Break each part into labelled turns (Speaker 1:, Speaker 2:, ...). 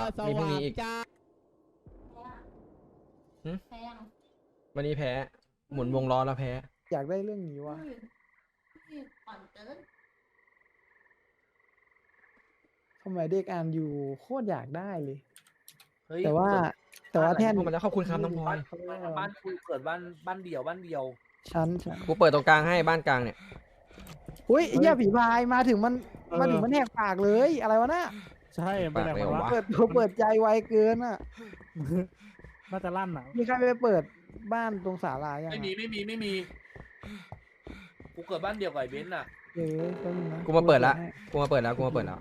Speaker 1: มีพรุ่งนี้อีกวันนี้แพ้หมุนวงล้อแล้วแพ้
Speaker 2: อยากได้เรื่องนี้วะทำไมเด็กอ่านอยู่โคตรอยากได้เลยแต่ว่าแท่น
Speaker 1: พวกมันแล้วขอบคุณครับน้องพลอย
Speaker 3: บ้านกูเกิดบ้านเดี่ยว
Speaker 2: ชั้น
Speaker 1: กูเปิดตรงกลางให้บ้านกลางเนี่ย
Speaker 2: อุ้ยไอ้เหี้ยผีพายมาถึงมันแหกปากเลยอะไรวะน่ะ
Speaker 4: ใช่ไปไหนวะ
Speaker 2: เปิดใจไวเกินอ่ะ
Speaker 4: น่าจะลั่นอ่ะ
Speaker 2: มีใครไปเปิดบ้านตรงศาลายัง
Speaker 3: ไม่มีกูเกิดบ้านเดี่ยวกับไอ้เบนซ์น่ะ
Speaker 2: แป๊บนึงนะ
Speaker 1: กูมาเปิดแล้วกูมาเปิดแล้ว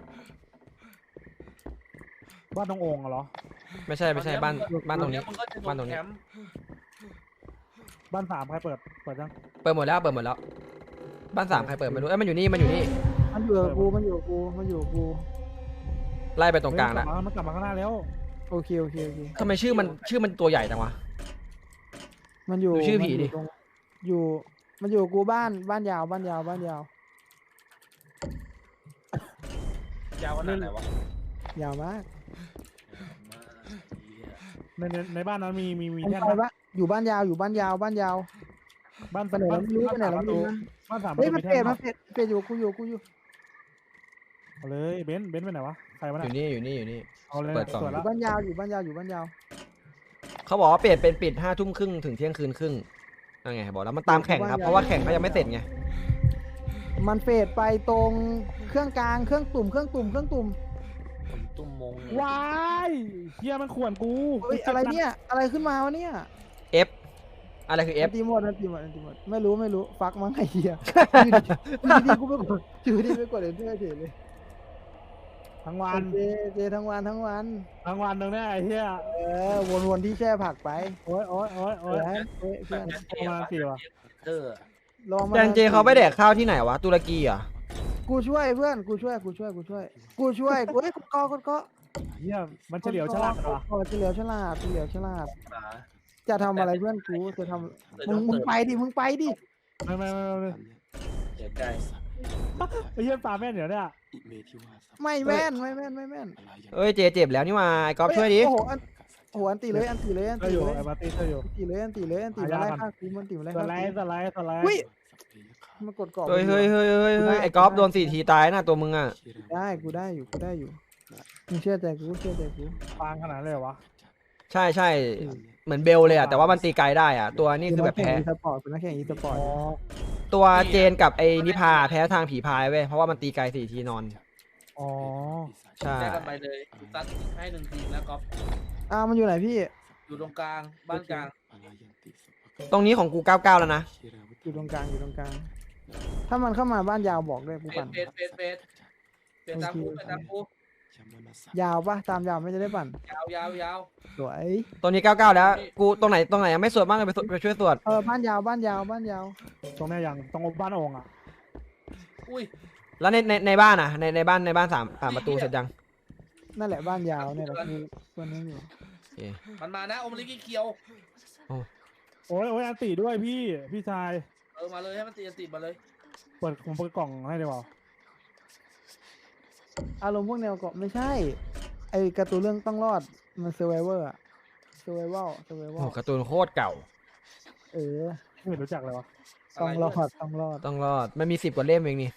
Speaker 4: บ้านตรงโอ่งเหรอ
Speaker 1: ไม่ใช่บ้านตรงนี้
Speaker 3: มึงก็จะโด
Speaker 1: บ้านตรง
Speaker 3: น
Speaker 1: นี้
Speaker 3: แคมป์
Speaker 4: บ้านสามใครเปิดยัง
Speaker 1: เปิดหมดแล้วบ้านสามใครเปิดไม่รู้มันอยู่นี่
Speaker 2: มันอยู่กับกู
Speaker 1: ไล่ไปตรงกลางแล้ว
Speaker 4: มันกลับมาข้างหน้าแล้ว
Speaker 2: โอเค
Speaker 1: ทำไมชื่อมันตัวใหญ่จังวะ
Speaker 2: มันอยู่
Speaker 1: ดูชื่อผีดิ
Speaker 2: มันอยู่กูบ้านยาว
Speaker 3: ยาวขนาดไหนวะ
Speaker 2: ยาวมาก
Speaker 4: ในบ้านนั้นมี
Speaker 2: ผม
Speaker 4: แท่น
Speaker 2: ไปปะอยู่บ้านยาวบ้าน
Speaker 4: บ้าน
Speaker 2: ไปไหนแล้วไม่รู้ไปไหนแล้วไม่รู้นะ
Speaker 4: บ้านสาม
Speaker 2: เฮ้ยมัน
Speaker 4: แท่
Speaker 2: เปลี่ยนอยู่กูอยู่
Speaker 4: เอาเลยเบนซ์ไปไหนวะใครวะ
Speaker 1: อยู่นี่
Speaker 4: เอาเลย
Speaker 1: เปิดสอง
Speaker 4: สวย
Speaker 2: อ
Speaker 4: แล้ว
Speaker 2: ยู่บ้านยาว
Speaker 1: เขาบอกว่าเปลี่ยนเป็นปิด5 ทุ่มครึ่งถึงเที่ยงคืนครึ่งนั่นไงบอกแล้วมันตามแข่งครับเพราะว่าแข่งก็ยังไม่เสร็จไง
Speaker 2: มันเฟดไปตรงเครื่องกลางเครื่องตุ่ม
Speaker 3: ผมตุ้มมง
Speaker 4: วายเฮียมันข่วนกู
Speaker 2: เฮ้ยอะไรเนี่ยอะไรขึ้นมาวะเนี่ย
Speaker 1: F อะไรคือ F
Speaker 2: อันตีหมดไม่รู้ฟักมั้งไอ้เหี้ยดีกูไปกดเอ็นเตอร์เฉยเลย
Speaker 4: ทั้งวัน
Speaker 2: เจทั้งวัน
Speaker 4: ทั้งวันตรงนี้ไอ้เฮีย
Speaker 2: วนที่แช่ผักไป
Speaker 4: โอ้ย
Speaker 2: เพื่อน
Speaker 4: ประมาณ4ว่ะ
Speaker 2: ลองมา
Speaker 1: แจนเจเขาไปแดกข้าวที่ไหนวะตุรกีเหรอ
Speaker 2: กูช่วยเพื่อนกูช่วยกดก็
Speaker 4: เฮียมันเฉลียวฉลาดเหรอ
Speaker 2: เฉลียวฉลาดจะทำอะไรเพื่อนกูจะทำมึงไปดิ
Speaker 4: ไม่
Speaker 3: เดี๋ยวใจ
Speaker 4: ไอ้เฮียปลาแม่นเดี๋ยวเนี่ย
Speaker 2: ไม่แม่น
Speaker 1: เอ้ยเจเจ็บแล้วนี่มาไอ้ก๊อฟช่วยดิ
Speaker 2: โอ้โหอันตีเลย
Speaker 4: ก็อยู่ไอ้มาตีก็อยู่
Speaker 2: อันตีมาไล่ฆ่ากูมันตีมาไล่
Speaker 4: ส
Speaker 2: ฆ่า
Speaker 4: ไล
Speaker 2: กู
Speaker 4: ด์
Speaker 2: อุ้ยมันกดกรอบ
Speaker 1: เฮ้ยไอ้ก๊อฟโดน4 ทีตายนะตัวมึงอ่ะ
Speaker 2: ได้กูได้อยู่มึงเชื่อใจกู
Speaker 4: ปางขนาดเลยเหรอวะ
Speaker 1: ใช่เหมือนเบลเลยอ่ะแต่ว่ามันตีไกลได้อ่ะตัวนี้คือแบบแพ้
Speaker 2: เป็นนักแข่งอีสปอร์ต
Speaker 1: ตัวเจนกับไอ้นิพาแพ้ทางผีพายเว้ยเพราะว่ามันตีไกล4 ทีนอน
Speaker 4: อ๋อ
Speaker 1: ใช่
Speaker 3: แจ้กันไปเลยตัดให้1 ทีมแล้วก็
Speaker 2: มันอยู่ไหนพี่
Speaker 3: อยู่ตรงกลางบ้านกลาง
Speaker 1: ตรงนี้ของกู99แล้วนะ
Speaker 2: อยู่ตรงกลางถ้ามันเข้ามาบ้านยาวบอกด้วยกูปั่น
Speaker 3: เฟสตามกู
Speaker 2: ยาวปะตามยาวไม่จะได้ปั่น
Speaker 3: ยาว
Speaker 2: สวย
Speaker 1: ตรงนี้99แล้วกูตรงไหนยังไม่สวดบ้างเลยไปช่วยสวด
Speaker 2: บ้านยาว
Speaker 4: ตรงนี้ยังตรงบ้านโอ่งอ่ะ
Speaker 3: อุ้ย
Speaker 1: แล้วในบ้านอ่ะในบ้าน3 ประตูเสร็จยัง
Speaker 2: นั่นแหละบ้านยาวเนี่ยแหละกูคนนี้อยู่
Speaker 3: มันมานะโอมลิกิเคียว
Speaker 4: โอ้ยอันตีด้วยพี่ชาย
Speaker 3: มาเลยให้มันตีมาเลย
Speaker 4: ผมเปิดกล่องให้ดีกว่า
Speaker 2: อารมณ์พวกแนวเกาะไม่ใช่ไอการ์ตูนเรื่องต้องรอดมันเซอร์ไวเวอร์อะเซอร์ไวเวล
Speaker 1: โอ้การ์ตูนโคตรเก่า
Speaker 4: ไม่รู้จักเลยวะ
Speaker 2: ต้องรอด
Speaker 1: มันมี10 กว่าเล่มเองนี่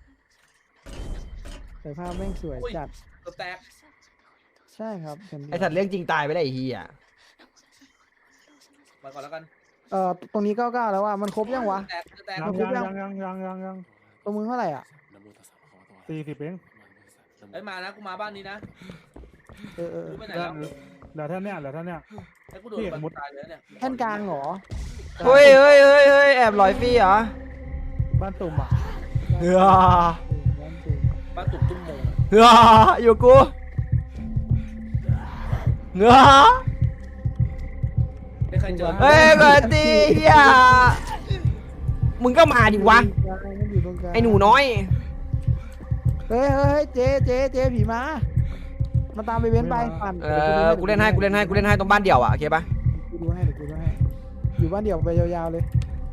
Speaker 2: แต่ภาพแม่งสวยจัด
Speaker 3: ตัวแตก
Speaker 2: ใช่ครับ
Speaker 1: ไอสัตว์เรื่องจริงตายไปแล้วไอ้เหี้ย
Speaker 3: มาก่อนแล้วกัน
Speaker 2: ตรงนี้99แล้วว่ามันครบยังวะ
Speaker 3: แตก
Speaker 4: ยัง
Speaker 2: ตรงมึงเท่าไหร่อ่ะ
Speaker 4: 40เอง
Speaker 3: ไอ้มานะกูมาบ้านนี้นะ กูไปไหน
Speaker 4: เห
Speaker 3: แล้ว
Speaker 4: ลือท่านเนี่ย
Speaker 3: ไอ้กูโดนมันตายเลยเนี่ย
Speaker 2: แท่นกลางเหรอ
Speaker 1: เฮ้ยแอบลอยฟรีเหรอ
Speaker 4: บ้านตุ่มอ่ะ
Speaker 1: เฮ้ย
Speaker 3: บ้านตุ่มตุ้มมง
Speaker 1: อยู่กู
Speaker 3: ได้ใครเจอ
Speaker 1: เฮ้ยกอนตีเฮียมึงก็มาดิวะไอหนูน้อย
Speaker 2: เฮ้ยเจผีมาตามไปเว้นไปปั่น
Speaker 1: กูเล่นให้ตรงบ้านเดี่ยวอ่ะโอเคปะ
Speaker 2: กูดูให้อยู่บ้านเดี่ยวไปยาวๆเลย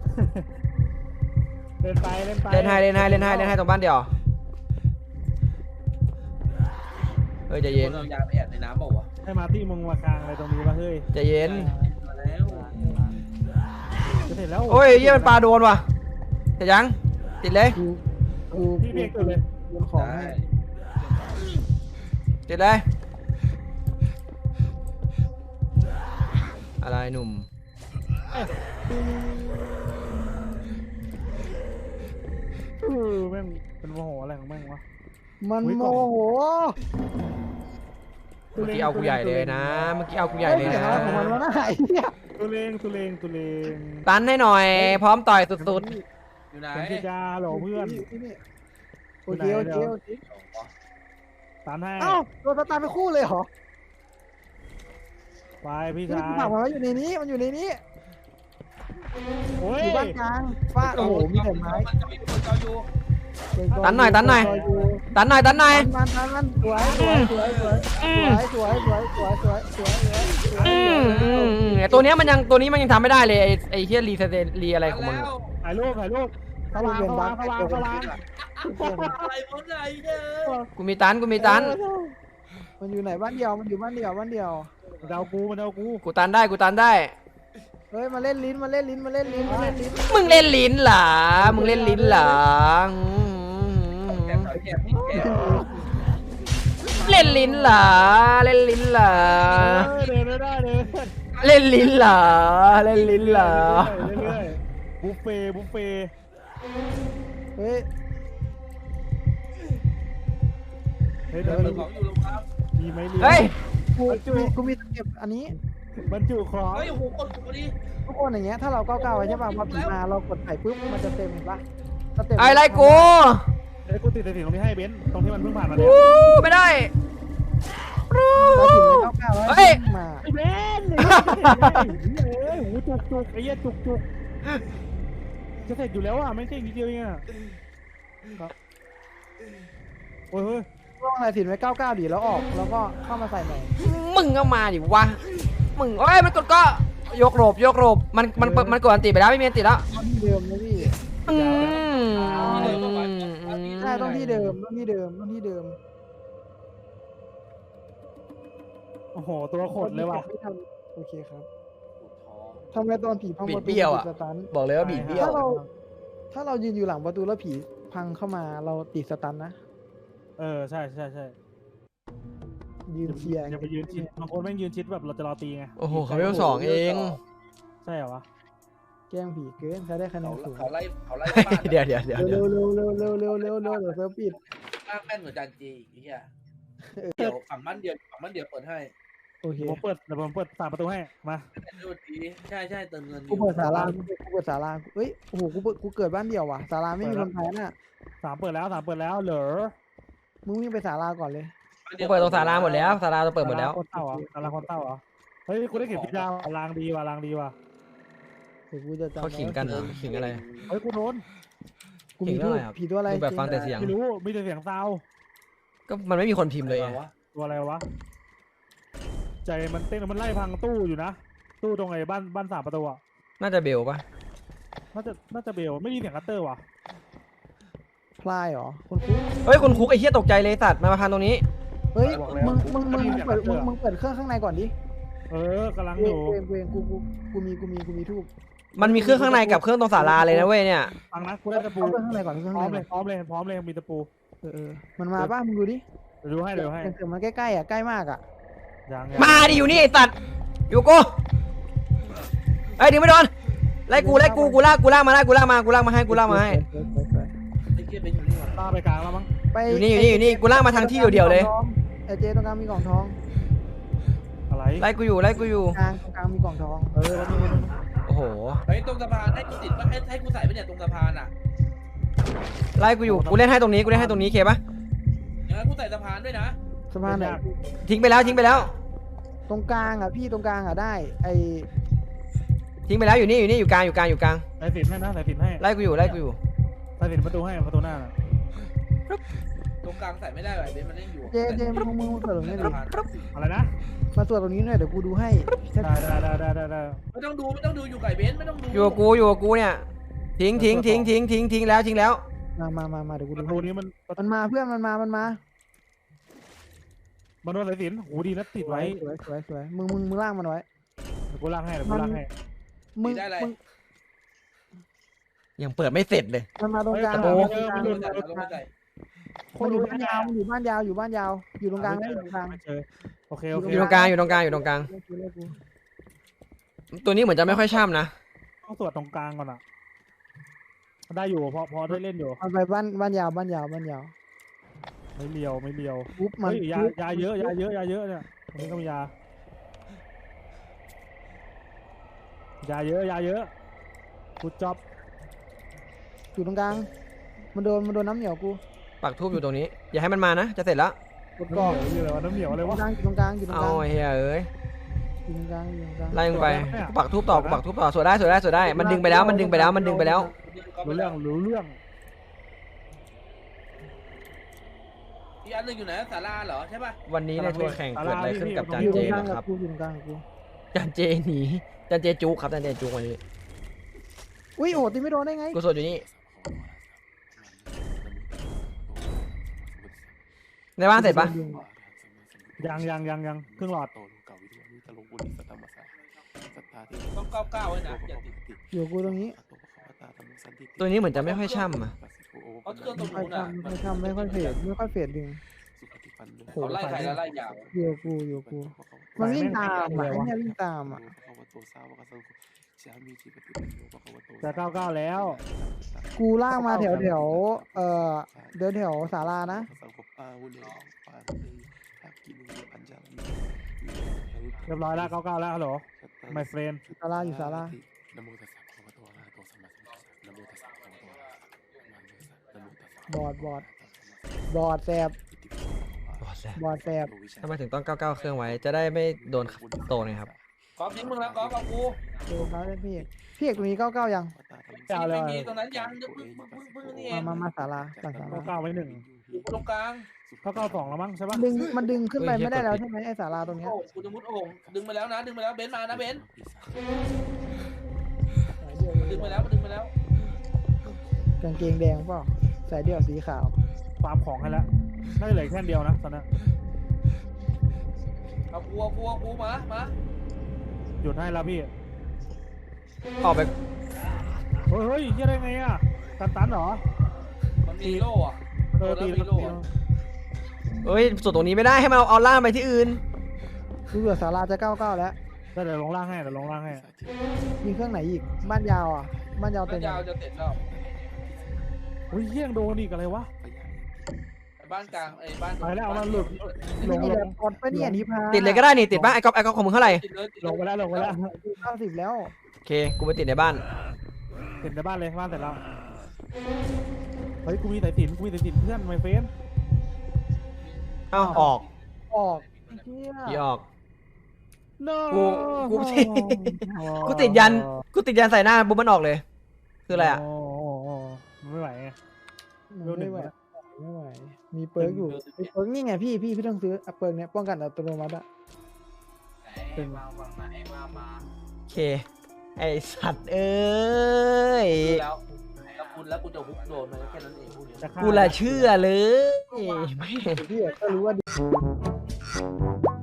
Speaker 4: เล่นไป
Speaker 1: เล่นให้ตรงบ้านเดี่ยวเฮ้ยใจเย็น
Speaker 3: เรายาไปแอบในน้ำเปล่าวะ
Speaker 4: ให้มาร์ตี้มึงมากลางอะไรตรงนี้วะเฮ้ย
Speaker 1: ใจเย็น
Speaker 3: มาแล้ว
Speaker 4: จะเสร็จแล้ว
Speaker 1: โอ้ยเยี่ยมันปลาโดนว่ะเสร็จยังติดเลย
Speaker 2: กู
Speaker 4: พี่เบรกตัวเลย
Speaker 2: โยนของให้
Speaker 1: ติดเลยอะไรหนุ่ม
Speaker 4: แม่งเป็นโมโหอะไรของแม่งวะ
Speaker 2: มัน
Speaker 4: อุ๊ย
Speaker 2: โม
Speaker 4: ก่อน
Speaker 2: โห
Speaker 1: เมื่อกี้เอากูใหญ่เลยนะเมื่อกี้เอากูใหญ่เลย
Speaker 2: เสียง
Speaker 1: นะ
Speaker 2: อะไรของมันวะน่าไอ้เหี้ย
Speaker 4: ตุเลงตุเลงตุเลง
Speaker 1: ตันให้หน่อย พร้อมต่อยสุด
Speaker 3: อยู่ไหน
Speaker 4: เป็นจิจาหรอเพื่อน
Speaker 2: โอเคโอเคโอเค
Speaker 4: ตามให้
Speaker 2: เอ้าโดนสตาร์ไปคู่เลยเหรอ
Speaker 4: ไปพี่
Speaker 2: นี่
Speaker 4: ชาย
Speaker 2: กูฝากมันไว้อยู่ในนี้มันอยู่ในนี้
Speaker 4: โอ้ย
Speaker 2: อยู่บ้านกลางฟาดโอ้โหมีแต่ไม้
Speaker 3: มันจะมีคนจออยู่
Speaker 1: ตันหน่อยตันหน่อย ตันหน่อยตันหน่อย
Speaker 2: มันสวยสวยสวยสวยสวยสวยสวยสวยสวยสวยสวย
Speaker 1: ตัวนี้มันยังทำไม่ได้เลยไอ้เฮียรีอะไรของมัน
Speaker 3: แล้ว
Speaker 4: ถ่ายรูปสว่างสว่างสว่างสว่าง
Speaker 3: อะไรมึงไงเนี่ย
Speaker 1: กูมีตัน
Speaker 2: มันอยู่ไหนบ้านเดียวมันอยู่บ้านเดียว
Speaker 4: มันเดากู
Speaker 1: กูตันได้
Speaker 2: เฮ้ยมาเล่นลิ้นมาเล่นลิ้นมาเล่นลิ้นมาเล่นลิ้น
Speaker 1: มึงเล่นลิ้นเหรอมึงเล่นลิ้นเหรอ
Speaker 3: แกะแกะแกะ
Speaker 1: เล่นลิ้นเหรอเล่นลิ้นเหรอ
Speaker 4: เดินไม่ได้เลย
Speaker 1: เล่นลิ้นเหรอเล่นลิ้นเหรอ
Speaker 4: เรื่อยบุฟเฟ่
Speaker 2: เฮ้ย
Speaker 4: เฮ้ย
Speaker 3: เปิดของอยู่โรงพัก
Speaker 4: มีไหม
Speaker 1: เฮ้ย
Speaker 2: กูมีตะเก็บอันนี้
Speaker 4: บรรจุของ
Speaker 3: เฮ้ยโอ้โหกดพอดี
Speaker 2: ทุกคนอย่างเงี้ยถ้าเราก้าวๆไว้ใช่ป่ะพอผีมาเรากดใส่ปุ๊บมันจะเต็มเห็นป่ะสเต็ป
Speaker 1: ไอ้ไรกู
Speaker 4: เฮ้ยกูติดสิ่งตรงนี้ให้เบนซ์ตรงที่มันเพิ่งผ่านมาเนี่ย
Speaker 1: ไม่ได้
Speaker 2: เราถึงไม่ก้าวๆไว้
Speaker 1: เฮ้ย
Speaker 2: มา
Speaker 4: ไอ้เบนซ์เฮ้ยหูจุกไอ้เหี้ยจุกจะเสร็จอยู่แล้วอ่ะไม่ใช่นิดเดียวเองอ่ะโอ้ย
Speaker 2: ต้องอะไรถึงไว้ก้าวๆดิแล้วออกแล้วก็เข้ามาใส่ใหม่
Speaker 1: มึงก็มาดิวะมึงเอ้ยมันกดก็ยกโรบมันกดอันติไปแล้วไม่มีอันติแล้ว
Speaker 2: ต้องที่เดิมนะพี่
Speaker 1: อืม
Speaker 2: ใช่ต้องที่เดิมต้องที่เดิมต้องที่เดิม
Speaker 4: โอ้โหตัวขดเลยว่ะ
Speaker 2: ไม่ทำโอเคครับ
Speaker 3: ท้อง
Speaker 2: ทำไมตอนผีพัง
Speaker 1: บี
Speaker 2: ป
Speaker 1: ด
Speaker 2: ระตู
Speaker 1: เบี้ยวอ่ะ
Speaker 2: ติดสตัน
Speaker 1: บอกเลยว่าบีดเบี้ยว
Speaker 2: ถ้าเรายืนอยู่หลังประตูแล้วผีพังเข้ามาเราติดสตันนะ
Speaker 4: ใช่
Speaker 2: ยืนเชียร์
Speaker 4: อย่าไปยืนชิดบางคนแม่งยืนชิดแบบเราจะรอตีไง
Speaker 1: โอ้โหเขาเวลสองเอง
Speaker 4: ใช่เหรอวะ
Speaker 2: แกล้งผีเกินใช้ได้คะแนนสูง
Speaker 3: เขาไล่บ้าน
Speaker 1: เดี๋ยว
Speaker 2: เร็วเร็วเร็วเร็วเร็วเร็วเร็วเร็วเดี๋ยวเซิร์ฟปิด
Speaker 3: บ้านแม่นเหมือนจานจีไอ้เหี้ยเดี๋ยวฝั่งบ้านเดียวเปิดให้
Speaker 2: โอเค
Speaker 4: เดี๋ยวผมเปิด3 ประตูให้มา
Speaker 3: ดูดีใช่เติมเงิน
Speaker 2: กูเปิดศาลากูเปิดศาลาเฮ้ยโอ้โหกูเกิดบ้านเดียวว่ะศาลาไม่มีคนแพ้น่ะ
Speaker 4: 3 เปิดแล้วเหรอ
Speaker 2: มึงวิ่งไปศาลาก่อนเลย
Speaker 1: กูเปิดตรงศาลาหมดแล้วศาลาเราเปิดหมดแล้ว
Speaker 4: คนเต้าเหรอศาลาคนเต้าเหรอเฮ้ยกูได้เข็มพิจารลางดีว่ะ
Speaker 2: เดี๋ยวกูจะจำ
Speaker 1: เขาขิงกันเหรอขิงอะไร
Speaker 4: เฮ้ยกูโดน
Speaker 2: กูมีทูบผีตัวอะไร
Speaker 1: ดูแบบฟังแต่เสียง
Speaker 4: ไม่รู้มีแต่เสียงซาว
Speaker 1: ก็มันไม่มีคนพิมพ์เลยไง
Speaker 4: ตัวอะไรวะใจมันเต้นมันไล่พังตู้อยู่นะตู้ตรงไอ้บ้าน3 ประตูอ่ะ
Speaker 1: น่าจะเบลปะ
Speaker 4: น่าจะเบลไม่มีเสียงคัตเตอร์ว่ะ
Speaker 2: พลายเหรอคนคุก
Speaker 1: เฮ้ยคุณคุกไอ้เหี้ยตกใจเลยสัตว์มาพันตรงนี้
Speaker 2: เฮ้ยมึงเปิดเครื่องข้างในก่อนดิ
Speaker 4: กำลัง
Speaker 2: เว
Speaker 4: อยู่
Speaker 2: งกูมีทูบ
Speaker 1: มันมีเครื่องข้างในกับเครื่องตรงศาลาเลยนะเว้ยเนี่ย
Speaker 4: ฟังนะกูได้ตะปู
Speaker 2: เอาเครื่องข้างในก่อนเครื่อง
Speaker 4: พร้อ
Speaker 2: ข้าง
Speaker 4: ม
Speaker 2: ใน
Speaker 4: เลยพร้อมเลยมีตะปู
Speaker 2: มันมาป่ะมึงดูดิ
Speaker 4: เดี๋ยวดูให้
Speaker 2: เสียงมันใกล้ๆอ่ะใกล้มากอ่ะ
Speaker 4: ยัง
Speaker 1: มาดิอยู่นี่ไอ้สัตว์อยู่กูไอ้ยดึงไม่โดนไล่กูลากมาให้
Speaker 3: ไอ้เหี้ยเป็นอยู่นี่หว่า
Speaker 4: ตาไปกลางแล้วมั้ง
Speaker 2: ไป
Speaker 1: อยู่นี่กูลากมาทางที่เดียวๆเลย
Speaker 2: ไอเจตรงกลางมีกล่องทอง
Speaker 4: อะไร
Speaker 1: ไล่กูอยู่
Speaker 2: ตรงกลางมีกล่องทอง
Speaker 1: โอ้โห
Speaker 3: เฮ้ยตรงสะพานให้กูติดป่ะให้กูใส่ไปเนี่ยตรงสะพานอ่ะ
Speaker 1: ไล่กูอยู่กูเล่นให้ตรงนี้เคปะ
Speaker 3: อย่างนั้นกูใส่สะพานด้วยนะ
Speaker 2: สะพานไหน
Speaker 1: ทิ้งไปแล้ว
Speaker 2: ตรงกลางอ่ะพี่ตรงกลางอ่ะได้ไอ
Speaker 1: ทิ้งไปแล้วอยู่นี่อยู่กลาง
Speaker 4: ใส่สินให้นะใส่สินให้
Speaker 1: ไล่กูอยู่
Speaker 4: ใส่สินประตูให้ประตูหน้าน่ะ
Speaker 3: ตรงกลางใส่ไม่ได้แบบเบนมันเล่นอยู่
Speaker 2: เจมึงเปิดตรงนี้ดิ
Speaker 4: อะไรนะ
Speaker 2: มาตรวจตรงนี้หน่อยเดี๋ยวกูดูให้
Speaker 4: ได้
Speaker 3: ไม่ต้องดูอยู่ไก่เบนไม่ต้องดู
Speaker 1: อยู่กับกูเนี่ยทิ้งแล้ว
Speaker 2: มาเดี๋ยวกู
Speaker 4: ป
Speaker 2: ดู
Speaker 4: ระตูนี้มัน
Speaker 2: มันมาเพื่อนมันมา
Speaker 4: มาโดนสายสิญจน์หูดีนะติดไว้
Speaker 2: สวยมึงล่างมันไว้
Speaker 4: เดี๋ยวกูล่างให้เดี๋ยวกูล่างให้
Speaker 2: มึง
Speaker 3: ได้อะไร
Speaker 2: มึง
Speaker 1: ยังเปิดไม่เสร็จเลย
Speaker 2: มันมาตรงกลาง
Speaker 4: โอ้
Speaker 2: มัน
Speaker 3: ล
Speaker 2: มาง ตรงกลาง
Speaker 3: ไม่ใส่ลงไม่ใส่
Speaker 2: มันอยู่บ้านยาวอยู่บ้านยาวอยู่ตรงกลางได้อยู่ตรงกลาง
Speaker 4: ไม่เจอโอเคโอเค
Speaker 1: อยู่ตรงกลางอยู่ตรงกลางอยู่ตรงกลาง ตัวนี้เหมือนจะไม่ค่อยช่ำนะ
Speaker 4: ต้องตรวจตรงกลางก่อนอ่ะได้อยู่พอได้เล่นอยู่
Speaker 2: มันไปบ้านยาว
Speaker 4: ไม่เลียว
Speaker 2: ปุ๊บมัน
Speaker 4: เฮ้ยยาเยอะเนี่ยตรงนี้ก็มียาเยอะกูจ็อบ
Speaker 2: อยู่ตรงกลางมันโดนน้ำเหนียวกู
Speaker 1: ปักทูบอยู่ตรงนี้ อย่าให้มันมานะ จะเสร็จแล้ว
Speaker 2: กดกรอก
Speaker 4: น้ำเหนียวอะไร
Speaker 2: อยู่
Speaker 4: วะ
Speaker 2: ตรงกลางอยู่ตรง
Speaker 1: เอา
Speaker 2: กลาง
Speaker 1: ไอ้เฮียเอ้ย
Speaker 2: อยู่ตรงกลาง
Speaker 1: ไล่มึงไปกูปักทูบต่อกูปักทูบต่อสวดได้มันดึงไปแล้ว
Speaker 4: รู้เรื่อง
Speaker 3: อีกอันหนึงอยู่ไหนศาลาเหรอใช่ป่ะ
Speaker 1: วันนี้ในทัวร์แข่งเกิดอะไรขึ้นกับจาน
Speaker 2: อยู่ต
Speaker 1: เจ
Speaker 2: รงกลาง
Speaker 1: นะค
Speaker 2: กั
Speaker 1: รั
Speaker 2: บบ กูอยู่ตรงกลางกับกู
Speaker 1: จานเจหนีจานเจจุกครับจานเจจุกวันนี้
Speaker 2: อุ้ยโอ้ตีไม่โดนได้ไง
Speaker 1: กูสวดอยู่นี่ในบ้านเสร็จปะ
Speaker 4: ยังครึ่งหลอด
Speaker 3: ต้อง99ไว้นะอย่าติด
Speaker 2: อยู่กูตรงนี้
Speaker 1: ตัวนี้เหมือนจะไม่ค่อยช่ำอ่ะ
Speaker 3: เพราะเครื่องตรง
Speaker 2: ไม่
Speaker 3: นู้นอ่ะ
Speaker 2: ทำไม่ค่อยเฟดดึง
Speaker 3: เขาไล่ใครแล้วไล่ยาว
Speaker 2: อยู่กูมันวิ่งตามอ่ะไอ้เนี่ยวิ่งตามอ่ะ
Speaker 4: จะ99แล้ว
Speaker 2: กูลากมาแถวเดินแถวศาลานะ
Speaker 4: เรียบร้อยแล้ว99แล้วฮัลโหล my friend
Speaker 2: ศาลาอยู่ศาลาบอดแสบ บอดแสบ
Speaker 1: ทำไมถึงต้อง99เครื่องไว้ จะได้ไม่โดนโตไงครับ
Speaker 3: กอล์ฟทิ้งมึงแล้วกอล์ฟเอากู
Speaker 2: โดนเขาเลยพี่เอกตรงนี้99ยัง
Speaker 3: ไม่มีตรงนั้นยังพึ่งนี่เอง
Speaker 2: มาศาลาศาลา
Speaker 4: 99ไว้1
Speaker 3: อยู่ตรงกลาง
Speaker 4: 99 แล้วมั้งใช่ปะ
Speaker 2: มันดึงขึ้นไปไม่ได้แล้วใช่ไหมไอ้ศาลาตรงเนี้ย
Speaker 3: โอ้กูจะมุดโอ่งดึงไปแล้วนะดึงไปแล้วเบนซ์มานะเบนซ์ดึงไปแล้วดึงไปแล้ว
Speaker 2: กางเกงแดงเปล่าใส่เดี่ยวสีขาว
Speaker 4: ฟาร์มของให้แล้วน่าจะเหลือแค่เดียวนะตอนนี้
Speaker 3: เอากูมา
Speaker 4: หยุดให้แล้วพี่
Speaker 1: ออกไป
Speaker 4: เฮ้ยยังได้ไงอ่ะตันเหรอ
Speaker 3: มันมีโล่อะ
Speaker 4: ตี
Speaker 3: มีโล่อะ
Speaker 1: เอ้ยส่วนตรงนี้ไม่ได้ให้มันเอาล่างไปที่อื่น
Speaker 2: กูเหลือศาลาจะ99แล้ว
Speaker 4: เดี๋ยวลงล่างให้
Speaker 2: มีเครื่องไหนอีกบ้านยาวอ่ะบ้านยาวเต็
Speaker 3: บ้าม นยาวจะเสร็จแล้ว
Speaker 4: อุ้ยเยี่ยงโดนอีกอะไรวะ
Speaker 3: บ้านกลางบ้าน
Speaker 4: ไปแล้วมันหลุด
Speaker 2: นี่แหละกดไปเนี่ยนิพา
Speaker 1: ติดเลยก็ได้นี่ติดปะไอ้ก๊อฟของมึงเท่าไหร่
Speaker 3: ติดเลย
Speaker 4: ลงไปแล้ว
Speaker 2: 90แล้ว
Speaker 1: โอเคกูไปติดในบ้าน
Speaker 4: เสร็จในบ้านเลยบ้านเสร็จแล้วเฮ้ยกูมีสายสิญจน์เพื่อนไมเฟน
Speaker 1: เอ้าออก
Speaker 2: ออกเฮีย
Speaker 1: พี่ออก
Speaker 4: no
Speaker 1: กูติดยันใส่หน้าบุ๊บมันออกเลย คืออะไรอ่ะ
Speaker 4: มันไม่ไหวไง
Speaker 2: ไม่ไหวมีเปิร์กอยู่มีเปิร์กนี่ไงพี่ต้องซื้อเปิร์กเนี้ยป้องกันอัตโนมัติอะ
Speaker 3: มาฝั่งไหนมา
Speaker 1: โอเค ไอสัตว์เอ้ย
Speaker 3: แล้วกูจะฮุกโดนมันแค่นั้นเองพวกนี้
Speaker 1: กูละเชื่อเลยไม่
Speaker 2: พี่ก็รู้ว่า